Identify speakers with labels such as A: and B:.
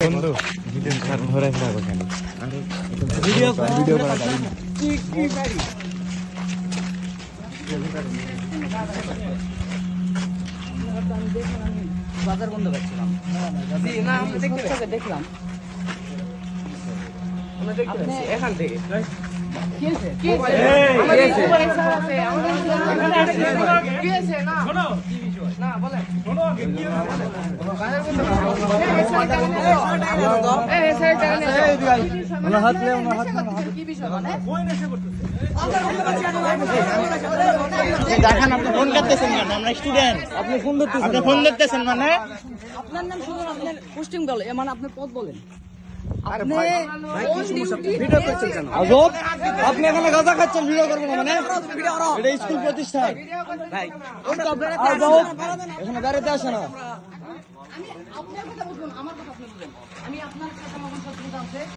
A: বন্ধু ভিডিও কারণ ধরে রাখো কেন ভিডিও করা কি পারি
B: বাজার বন্ধ করছিলাম। জি না আমরা দেখলাম এখান থেকে কি হয়েছে কি হয়েছে কি হয়েছে না শোনো না বলেন শোনো আগে কি
A: দেখেন আপনি ফোন করতেছেন কেন? আমরা স্টুডেন্ট, আপনি ফোন ধরতেছেন মানে
B: আপনার নাম শুনুন, আপনার পোস্টিং বলে মানে আপনার পদ বলেন।
A: আপনি এখানে গাঁজা খাচ্ছেন, ভিডিও করবেন মানে এটা স্কুল প্রতিষ্ঠান, এখানে বেড়াতে আসে না।
B: আমি আপনার কথা বলুন, আমার কথা আপনি বলুন। আমি আপনার কথা আমার কথা আছে